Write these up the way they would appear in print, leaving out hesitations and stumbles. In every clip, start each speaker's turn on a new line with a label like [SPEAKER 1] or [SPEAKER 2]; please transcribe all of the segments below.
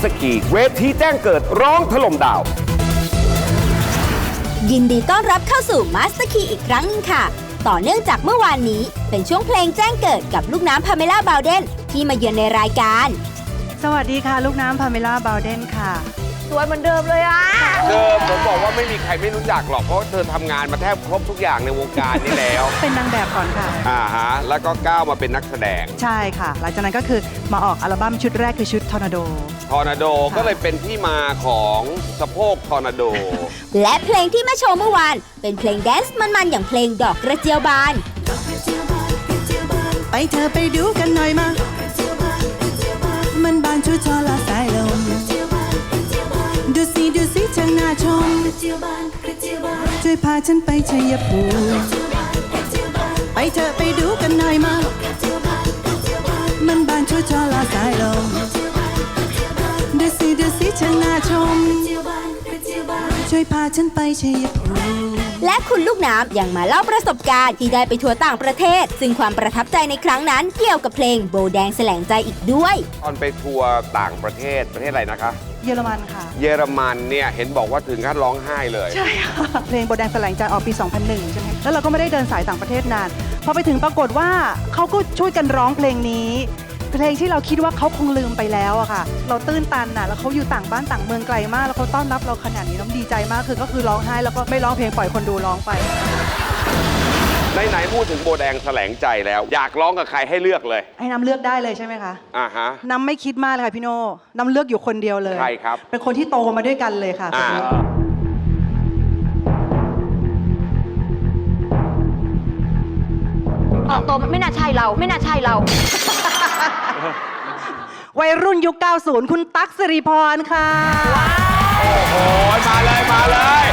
[SPEAKER 1] สคีเวทีแจ้งเกิดร้องถล่มดาว
[SPEAKER 2] ยินดีต้อนรับเข้าสู่มาสเตอร์คีอีกครั้งนึงค่ะต่อเนื่องจากเมื่อวานนี้เป็นช่วงเพลงแจ้งเกิดกับลูกน้ำพาเมล่าบาวเดนที่มาเยือนในรายการ
[SPEAKER 3] สวัสดีค่ะลูกน้ำพาเมล่าบาวเดนค่ะ
[SPEAKER 4] สวยเหมือนเดิมเลยอ่ะ
[SPEAKER 1] ผมบอกว่าไม่มีใครไม่รู้จักหรอกเพราะเธอทำงานมาแทบครบทุกอย่างในวงการนี้แล้ว
[SPEAKER 3] เป็นนางแบบก่อนค่ะ
[SPEAKER 1] แล้วก็ก้าวมาเป็นนักแสดง
[SPEAKER 3] ใช่ค่ะหลังจากนั้นก็คือมาออกอัลบั้มชุดแรกคือชุดทอร์นาโด
[SPEAKER 1] ก็เลยเป็นที่มาของสะโพกทอร์นาโด
[SPEAKER 2] และเพลงที่มาโชว์เมื่อวานเป็นเพลงแดนซ์มันๆอย่างเพลงดอกกระเจียวบาน
[SPEAKER 3] ไปเธอไปดูกันหน่อยมามันบานชุดทอละสายลมดูสิช่างน่าชมช่วยพาฉันไปชัยภูมิไปเธอไปดูกันหน่อยมามันบานชุดทอละสายลมดูสิช่างน่าชมช่วยพาฉันไปชัยภูมิ
[SPEAKER 2] และคุณลูกน้ำยังมาเล่าประสบการณ์ที่ได้ไปทัวร์ต่างประเทศซึ่งความประทับใจในครั้งนั้นเกี่ยวกับเพลงโบแดงแสลงใจอีกด้วย
[SPEAKER 1] ตอนไปทัวร์ต่างประเทศอะไรนะคะ
[SPEAKER 3] เยอรมันค่ะ
[SPEAKER 1] เยอรมันเนี่ยเห็นบอกว่าถึงขั้นร้องไห้เลย
[SPEAKER 3] ใช่ค่ะเพลงโบแดงแสลงใจออกปี 2001 ใช่ไหมแล้วเราก็ไม่ได้เดินสายต่างประเทศนานพอไปถึงปรากฏว่าเขาก็ช่วยกันร้องเพลงนี้เพลงที่เราคิดว่าเขาคงลืมไปแล้วอะค่ะเราตื้นตันอะแล้วเขาอยู่ต่างบ้านต่างเมืองไกลมากแล้วเขาต้อนรับเราขนาดนี้น้ำดีใจมากก็คือร้องไห้แล้วก็ไม่ร้องเพลงปล่อยคนดูร้องไป
[SPEAKER 1] ไหนพูดถึงโบแดงแสลงใจแล้วอยากร้องกับใครให้เลือกเลย
[SPEAKER 3] ให้น้ำเลือกได้เลยใช่ไหมคะ
[SPEAKER 1] น้
[SPEAKER 3] ำไม่คิดมากเลยค่ะพี่โน่น้ำเลือกอยู่คนเดียวเลย
[SPEAKER 1] ใครครับ
[SPEAKER 3] เป็นคนที่โตมาด้วยกันเลยค่ะ
[SPEAKER 4] ออกตัวไม่น่าใช่เรา
[SPEAKER 3] วัยรุ่นยุค 90 คุณตั๊กสิริพรค่ะ
[SPEAKER 1] โอ้โหมาเลย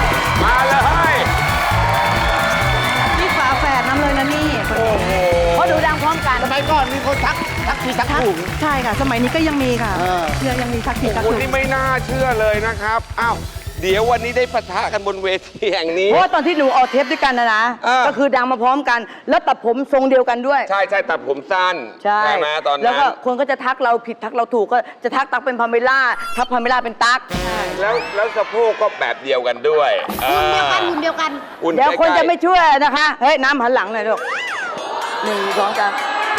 [SPEAKER 3] นี่ฝาแฝดน้ำเลยนะนี่
[SPEAKER 1] โอ้โห
[SPEAKER 4] เพราะดูดังพร้อมกัน
[SPEAKER 5] สมัยก่อนมีคนทักทีทักถูก
[SPEAKER 3] ใช่ค่ะสมัยนี้ก็ยังมีค่ะยังมีทักทีทักถูก
[SPEAKER 1] นี่ไม่น่าเชื่อเลยนะครับอ้าวเดี๋ยววันนี้ได้ปะทะกันบนเวทีแห่งนี้
[SPEAKER 4] เพราะตอนที่หนูออกเทปด้วยกันนะก็คือดังมาพร้อมกันแล้วตัดผมทรงเดียวกันด้วย
[SPEAKER 1] ใช่ตัดผมสั้น
[SPEAKER 4] ใช่
[SPEAKER 1] ไหมตอนนั้น
[SPEAKER 4] แล้วก็คนก็จะทักเราผิดทักเราถูกก็จะทักตักเป็นพาเมล่าทักพาเมล่าเป็นตัก
[SPEAKER 1] แล้วสะโพกก็แบบเดียวกันด้วย
[SPEAKER 4] หุ่นเดียวกันเดี๋ยวคนจะไม่ช่วยนะคะเฮ้ยน้ำหันหลังหน่อยลูก1 2 3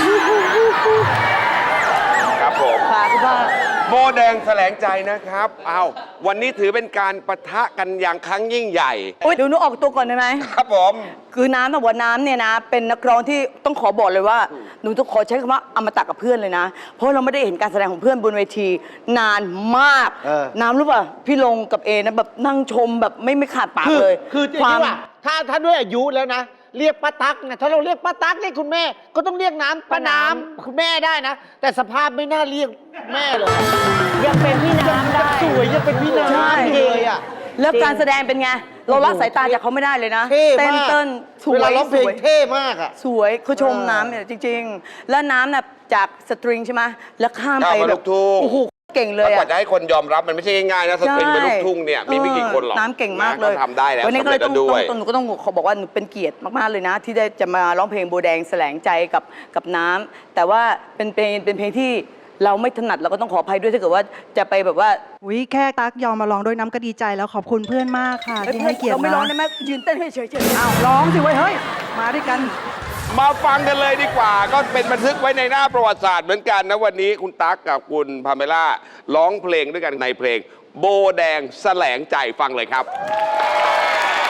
[SPEAKER 1] ครับผม
[SPEAKER 4] ค่ะคุณพ่อ
[SPEAKER 1] โบแดงแสลงใจนะครับวันนี้ถือเป็นการปะทะกันอย่างครั้งยิ่งใหญ่
[SPEAKER 4] เดี๋ยวหนูออกตัวก่อนได้ไหม
[SPEAKER 1] ครับผม
[SPEAKER 4] คือน้ำว่าน้ำเนี่ยนะเป็นนักร้องที่ต้องขอบอกเลยว่าหนูต้องขอใช้คำว่าอมตะกับเพื่อนเลยนะเพราะเราไม่ได้เห็นการแสดงของเพื่อนบนเวทีนานมากน้ำรู้ป่ะพี่ลงกับเอนะแบบนั่งชมแบบไม่ขาดปากเลย
[SPEAKER 5] คือจริงว่าถ้าด้วยอายุแล้วนะเรียกป้าตั๊กนะถ้าเราเรียกป้าตั๊กเรียกคุณแม่ก็ต้องเรียกน้ำป้าน้ำคุณแม่ได้นะแต่สภาพไม่น่าเรียกแม่เลย
[SPEAKER 4] ยังเป็นพี่น้ำได้
[SPEAKER 5] สวยยังเป็นพี่น้ำเลยอ่ะ
[SPEAKER 4] แล้วการแสดงเป็นไงเราละสายตาจากเขาไม่ได้เลยนะ
[SPEAKER 5] เต้น
[SPEAKER 4] สวย
[SPEAKER 5] ร้องเพลงเท่มากอ่ะ
[SPEAKER 4] สวยเขาชมน้ำเนี่ยจริงๆแล้วน้ำน่ะจากสตริงใช่ไหมแล้วข้ามไปแบบโอ้โหเก่งเลย
[SPEAKER 1] กว่าจะให้คนยอมรับมันไม่ใช่ง่ายๆนะสตริงเป็นลูกทุ่งเนี่ยมีไม่กี่คนหรอก
[SPEAKER 4] น้ำเก่งมากเลย
[SPEAKER 1] ทำได้แล้ว
[SPEAKER 4] วันนี้ก็เลยต้องหนูก็ต้องขอบอกว่าหนูเป็นเกียรติมากๆเลยนะที่ได้จะมาร้องเพลงโบแดงแสลงใจกับน้ำแต่ว่าเป็นเพลงที่เราไม่ถนัดเราก็ต้องขออภัยด้วยถ้าเกิดว่าจะไปแบบว่า
[SPEAKER 3] แค่ตั๊กยอมมาร้องด้วยน้ำก็ดีใจแล้วขอบคุณเพื่อนมากค่ะที่ให้เกียรติ
[SPEAKER 4] เราไม่ร้องได้ไหมยืนเต้นให้เฉยๆ
[SPEAKER 3] อ้าวร้องสิเว้ยเฮ้ยมาด้วยกัน
[SPEAKER 1] มาฟังกันเลยดีกว่าก็เป็นบันทึกไว้ในหน้าประวัติศาสตร์เหมือนกันนะวันนี้คุณตั๊กกับคุณพาเมล่าร้องเพลงด้วยกันในเพลงโบแดงแสลงใจฟังเลยครับ